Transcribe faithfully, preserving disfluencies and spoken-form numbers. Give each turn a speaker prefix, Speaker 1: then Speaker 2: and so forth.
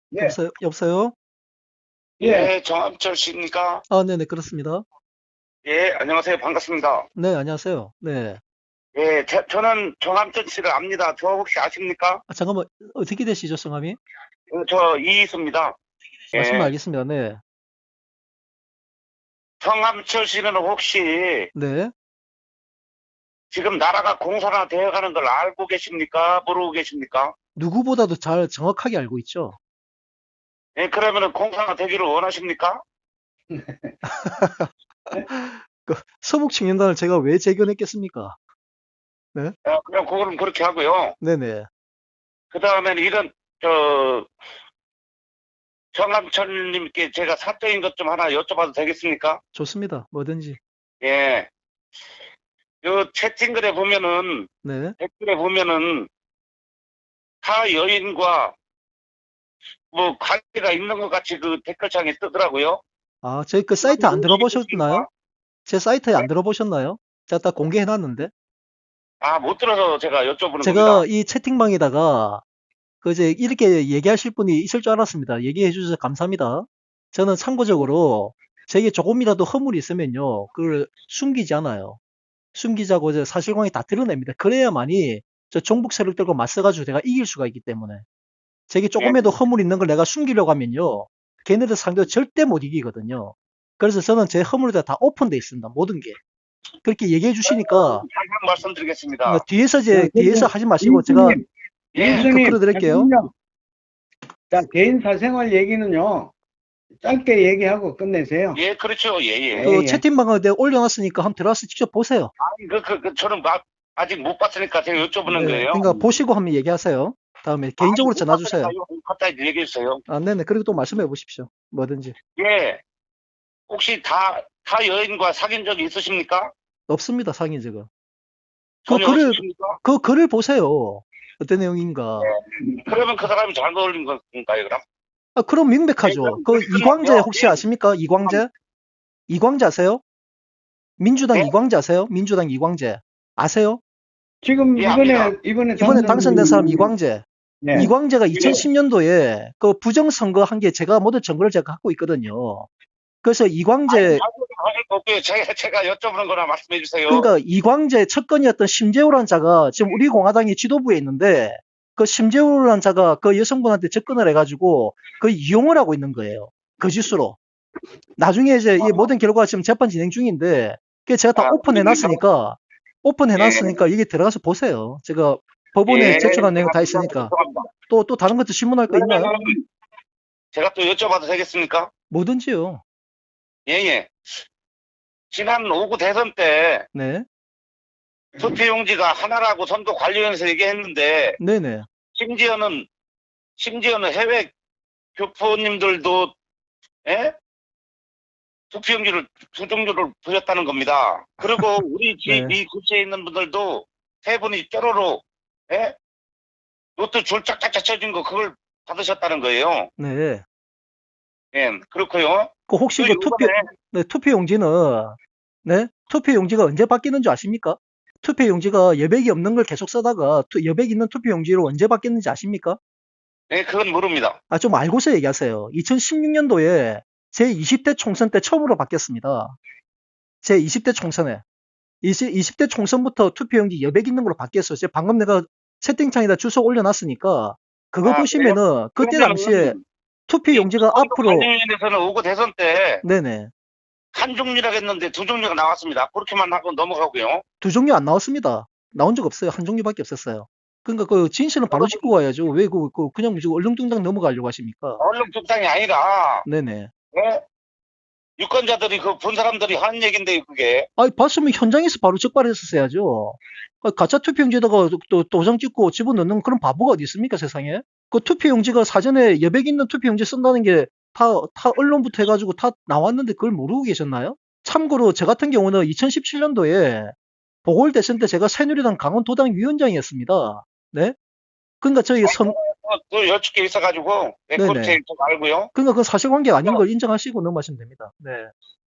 Speaker 1: 예,
Speaker 2: 여보세요? 여보세요?
Speaker 1: 예, 예, 정암철 씨입니까?
Speaker 2: 아, 네네, 그렇습니다.
Speaker 1: 예, 안녕하세요. 반갑습니다.
Speaker 2: 네, 안녕하세요. 네.
Speaker 1: 예, 저, 저는 정암철 씨를 압니다. 저 혹시 아십니까?
Speaker 2: 아, 잠깐만, 어떻게 되시죠, 성함이?
Speaker 1: 어, 저 이희수입니다.
Speaker 2: 말씀만
Speaker 1: 예,
Speaker 2: 알겠습니다. 네.
Speaker 1: 정암철 씨는 혹시
Speaker 2: 네.
Speaker 1: 지금 나라가 공산화 되어가는 걸 알고 계십니까? 모르고 계십니까?
Speaker 2: 누구보다도 잘 정확하게 알고 있죠.
Speaker 1: 예, 그러면은 공산화 되기를 원하십니까?
Speaker 2: 그, 서북청년단을 제가 왜 재견했겠습니까? 네?
Speaker 1: 어, 그냥 그거는 그렇게 하고요.
Speaker 2: 네네.
Speaker 1: 그 다음에는 이런, 저, 정암철님께 제가 사적인 것 좀 하나 여쭤봐도 되겠습니까?
Speaker 2: 좋습니다. 뭐든지.
Speaker 1: 예, 요 채팅글에 보면은,
Speaker 2: 네.
Speaker 1: 댓글에 보면은, 타 여인과 뭐 관계가 있는 것 같이 그 댓글창에 뜨더라고요.
Speaker 2: 아, 저희 그
Speaker 1: 그건
Speaker 2: 사이트 안
Speaker 1: 혹시
Speaker 2: 들어보셨나요?
Speaker 1: 무엇인가?
Speaker 2: 제 사이트에
Speaker 1: 네?
Speaker 2: 안 들어보셨나요? 제가 다 공개해놨는데.
Speaker 1: 아, 못 들어서 제가 여쭤보는
Speaker 2: 제가
Speaker 1: 겁니다.
Speaker 2: 이 채팅방에다가 그 이제 이렇게 얘기하실 분이 있을 줄 알았습니다. 얘기해 주셔서 감사합니다. 저는 참고적으로 제게 조금이라도 허물이 있으면요, 그걸 숨기지 않아요. 숨기자고 이제 사실관계 다 드러냅니다. 그래야만이 저 종북 세력들과 맞서가지고 내가 이길 수가 있기 때문에 제게
Speaker 1: 예,
Speaker 2: 조금이라도 허물 있는 걸 내가 숨기려고 하면요, 걔네들 상대로 절대 못 이기거든요. 그래서 저는 제 허물이 다 오픈돼 있습니다. 모든 게. 그렇게 얘기해 주시니까
Speaker 1: 다시 한 번
Speaker 2: 그러니까
Speaker 1: 말씀드리겠습니다.
Speaker 2: 뒤에서
Speaker 3: 자,
Speaker 2: 이제 뒤에서
Speaker 3: 그리고
Speaker 2: 하지 마시고 제가
Speaker 3: 이수님,
Speaker 1: 예,
Speaker 2: 더
Speaker 3: 이수님,
Speaker 2: 끌어드릴게요.
Speaker 3: 잠깐만요. 자, 개인 사생활 얘기는요, 짧게 얘기하고 끝내세요.
Speaker 1: 예, 그렇죠. 예,
Speaker 3: 예,
Speaker 1: 예.
Speaker 2: 그
Speaker 3: 예.
Speaker 2: 채팅방에 내가 올려놨으니까 한번 들어가서 직접 보세요.
Speaker 1: 아니, 그, 그, 그, 저는 막, 아직 못 봤으니까 제가 여쭤보는
Speaker 2: 네,
Speaker 1: 거예요.
Speaker 2: 그러니까 보시고 한번 얘기하세요. 다음에
Speaker 1: 아니,
Speaker 2: 개인적으로
Speaker 1: 못
Speaker 2: 전화
Speaker 1: 봤으니까
Speaker 2: 주세요.
Speaker 1: 이거 갑자기 얘기해 주세요.
Speaker 2: 아, 네네. 그리고 또 말씀해 보십시오. 뭐든지.
Speaker 1: 예, 혹시 다, 타 여인과 사귄 적이 있으십니까?
Speaker 2: 없습니다, 상인 적은. 그
Speaker 1: 전혀
Speaker 2: 글을,
Speaker 1: 없으십니까?
Speaker 2: 그 글을 보세요. 어떤 내용인가.
Speaker 1: 그러면 그 사람이 잘못 올린 건가요, 그럼?
Speaker 2: 아, 그럼
Speaker 1: 예,
Speaker 2: 명백하죠.
Speaker 1: 그럼
Speaker 2: 그
Speaker 1: 그렇게
Speaker 2: 이광재
Speaker 1: 끝나고요.
Speaker 2: 혹시
Speaker 1: 예,
Speaker 2: 아십니까? 이광재? 이광재 아세요? 민주당
Speaker 1: 예,
Speaker 2: 이광재 아세요? 민주당 이광재. 아세요?
Speaker 3: 지금
Speaker 1: 예,
Speaker 3: 이번에,
Speaker 1: 압니다.
Speaker 3: 이번에
Speaker 2: 이번에 당선된 사람
Speaker 3: 당선된,
Speaker 2: 이광재.
Speaker 3: 네.
Speaker 2: 이광재가
Speaker 1: 예.
Speaker 2: 이천십 년도에 그 부정선거 한 게 제가 모든 증거를 제가 갖고 있거든요. 그래서
Speaker 1: 아니,
Speaker 2: 이광재,
Speaker 1: 자꾸 하실 거 없고요. 제가, 제가 여쭤보는 거나 말씀해 주세요.
Speaker 2: 그러니까 이광재 척건이었던 심재호라는 자가 지금 우리 공화당의 지도부에 있는데 그 심재호라는 자가 그 여성분한테 접근을 해가지고 그 이용을 하고 있는 거예요. 거짓으로. 나중에 이제 이 모든 결과가 지금 재판 진행 중인데 그게 제가 다
Speaker 1: 아,
Speaker 2: 오픈해
Speaker 1: 그러니까,
Speaker 2: 놨으니까 오픈해
Speaker 1: 예,
Speaker 2: 놨으니까 이게 들어가서 보세요. 제가 법원에
Speaker 1: 예,
Speaker 2: 제출한 내용
Speaker 1: 제가
Speaker 2: 다
Speaker 1: 그거
Speaker 2: 있으니까
Speaker 1: 죄송합니다.
Speaker 2: 또, 또 다른 것도 질문할 거 있나요?
Speaker 1: 그러면은 제가 또 여쭤봐도 되겠습니까?
Speaker 2: 뭐든지요.
Speaker 1: 예, 예. 지난 오 구 대선 때
Speaker 2: 네.
Speaker 1: 투표용지가 하나라고 선거 관리위원회에서 얘기했는데
Speaker 2: 네네.
Speaker 1: 심지어는 심지어는 해외 교포님들도 예? 투표용지를 두 종류를 부렸다는 겁니다. 그리고 우리 집
Speaker 2: 네.
Speaker 1: 이 구치에 있는 분들도 세 분이 뾰로로 예? 로또 줄 짝짝짝 쳐준 거 그걸 받으셨다는 거예요.
Speaker 2: 네.
Speaker 1: 예, 그렇고요.
Speaker 2: 그 혹시
Speaker 1: 그
Speaker 2: 그 투표,
Speaker 1: 요번에
Speaker 2: 네, 투표 용지는, 네? 투표 용지가 언제 바뀌는 줄 아십니까? 투표 용지가 여백이 없는 걸 계속 쓰다가 투- 여백 있는 투표 용지로 언제 바뀌었는지 아십니까?
Speaker 1: 예, 그건 모릅니다.
Speaker 2: 아, 좀 알고서 얘기하세요. 이천십육 년도에 제이십 대 총선 때 처음으로 바뀌었습니다. 제이십 대 총선에. 이십 대 총선부터 투표 용지 여백 있는 걸로 바뀌었어요. 제가 방금 내가 채팅창에다 주소 올려놨으니까 그거
Speaker 1: 아, 그래요?
Speaker 2: 보시면은 그때 당시에
Speaker 1: 그러면은
Speaker 2: 투표
Speaker 1: 이
Speaker 2: 용지가 앞으로
Speaker 1: 선거관리위원회에서는 오 구 대선 때
Speaker 2: 네네.
Speaker 1: 한 종류라고 했는데 두 종류가 나왔습니다. 그렇게만 하고 넘어가고요.
Speaker 2: 두 종류 안 나왔습니다. 나온 적 없어요. 한 종류밖에 없었어요. 그러니까 그 진실은 바로 짚고
Speaker 1: 그러면
Speaker 2: 가야죠. 왜 그, 그 그냥 지금 얼렁뚱땅 넘어가려고 하십니까?
Speaker 1: 언론 특상이 아니라
Speaker 2: 네네.
Speaker 1: 예? 유권자들이 그 본 사람들이 하는 얘긴데 그게
Speaker 2: 아, 봤으면 현장에서 바로 적발했었어야죠. 아, 가짜 투표용지에다가 또 도장 찍고 집어넣는 그런 바보가 어디 있습니까, 세상에? 그 투표용지가 사전에 여백 있는 투표용지 쓴다는 게 다, 다 언론부터 해가지고 다 나왔는데 그걸 모르고 계셨나요? 참고로 저 같은 경우는 이천십칠 년도에 보궐대선 때 제가 새누리당 강원도당 위원장이었습니다. 네? 그러니까 저희 선,
Speaker 1: 또 여쭙 게 있어가지고 네, 그건
Speaker 2: 네네.
Speaker 1: 제일 좀 알고요.
Speaker 2: 그러니까 그 사실관계 아닌 걸 인정하시고 넘어가시면 됩니다. 네.